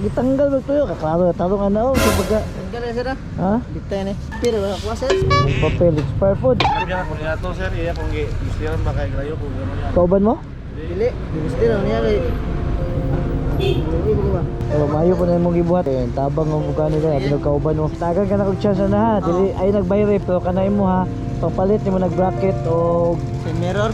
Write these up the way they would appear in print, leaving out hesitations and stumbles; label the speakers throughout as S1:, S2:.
S1: gitanggal mo tuyo kaklaro tarong ano sa pagka
S2: Tanggal na sir ah.
S1: ha
S2: Bitay na. Pero wala kuha sir.
S1: yung papel expired food
S3: Sabihan ko niya to sir, iya kung gistiran ba kay grayo kung gano'n yan.
S1: kauban mo
S2: Dili. Gusto na niya kay. Dili ba?
S1: pero mayo po na imong gibuhat eh tabang ang buka nila abi kauban mo tagan ka na og chance na ha dili ay nagbayre pero kanay mo ha papalit nimo nag bracket o
S2: Sa mirror.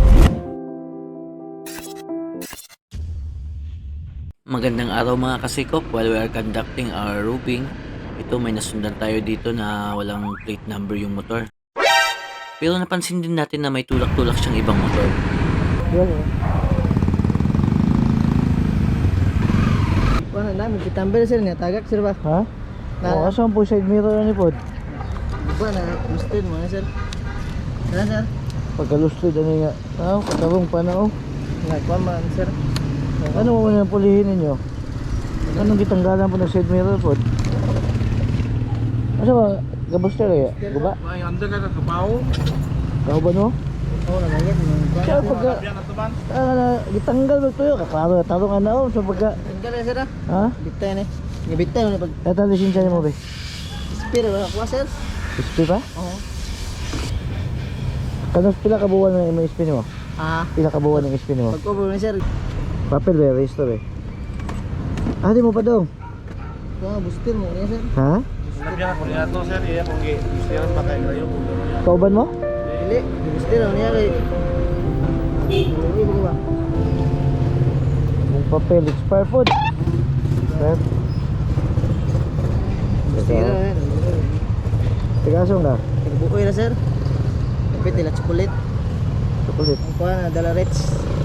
S4: Magandang araw mga kasikop. While we are conducting our roping, ito may nasundan tayo dito na walang plate number yung motor. Pero napansin din natin na may tulak-tulak siyang ibang motor.
S1: yan eh
S2: Wala na mi kitambel sir nga tagak sir ba?
S1: ha o asa po side mirror ni pod
S2: Ba na gusto mo na sir. Sir sir.
S1: pagkalustod ani nga katarong pa na
S2: Nga kuha man sir.
S1: ano mo na pulihin ninyo anong gitanggalan po ng side mirror pod asa ba gabos talaga guba
S3: Ay, anda ka kapaw.
S1: kauban mo
S2: Oo na yan.
S1: siya pagka
S3: Sabihan na to man.
S1: gitanggal mo tuyo kaklaro tarong ano sa pagka
S2: Tanggal na sir ah.
S1: ha
S2: Bitay na. Nga bitay na pag
S1: eto lisensya mo be
S2: pero wala kuha sir.
S1: SP pa
S2: Oo.
S1: kanos pila ka buwan na may SP mo
S2: Ah.
S1: pila ka buwan ng SP mo
S2: Pag-cover na sir.
S1: papel be register be di mo pa dong
S2: Kuha bustin mo na sir.
S1: ha
S3: Sabihan ko niya to sir, iya kung gistiran ba kay grayo kung gano'n yan.
S1: kauban mo
S2: Dili. Gusto na niya kay. Dili ba?
S1: yung papel expired food sir
S2: Gusto na yan.
S1: tigasong ka
S2: Nagbukoy na sir. Kapit nila chocolate.
S1: chocolate
S2: Ang kuha na dala Reds.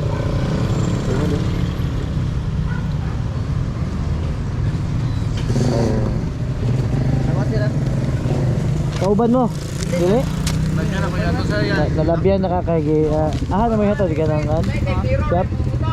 S2: Tama sir ah.
S1: kauban mo dili
S3: Sabihan ako niya to sir, yan.
S1: nalabyan nakakagi na may hatod ka nang shop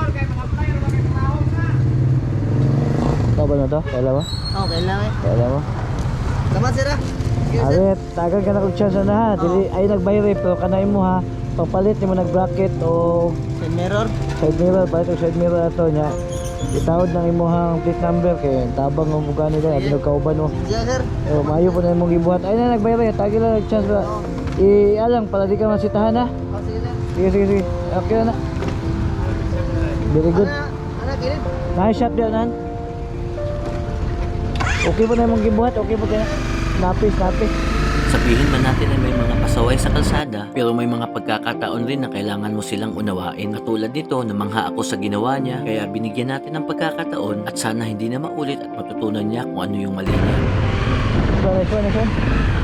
S1: kauban mo to kailan mo
S2: Okay lang eh.
S1: kailan mo
S2: Tama sir ah. Sige sir.
S1: Aret, tagan ka na og chance na ha. Dili ay nagbayre pero kanay mo ha. Papalit nimo nag bracket o
S2: Sa mirror.
S1: side mirror, palit og side mirror ato nya. Itawod nang imong plate number kay tabang ang buka nila abi kauban mo.
S2: Sige sir.
S1: O mayo po na imong gibuhat. Ay na nagbayre, tagi lang og chance ba. Alang pala di ka masitahan ha.
S2: Oh, sige sir.
S1: Sige. Okay na. Very good.
S2: Anak ini.
S1: Nice shot diyan nan. Okay po na imong gibuhat, okay po kaya. Napis.
S4: Sabihin man natin na may mga pasaway sa kalsada, pero may mga pagkakataon rin na kailangan mo silang unawain. Katulad nito, namangha ako sa ginawa niya, kaya binigyan natin ng pagkakataon at sana hindi na maulit at matutunan niya kung ano yung mali niya.
S1: Next one.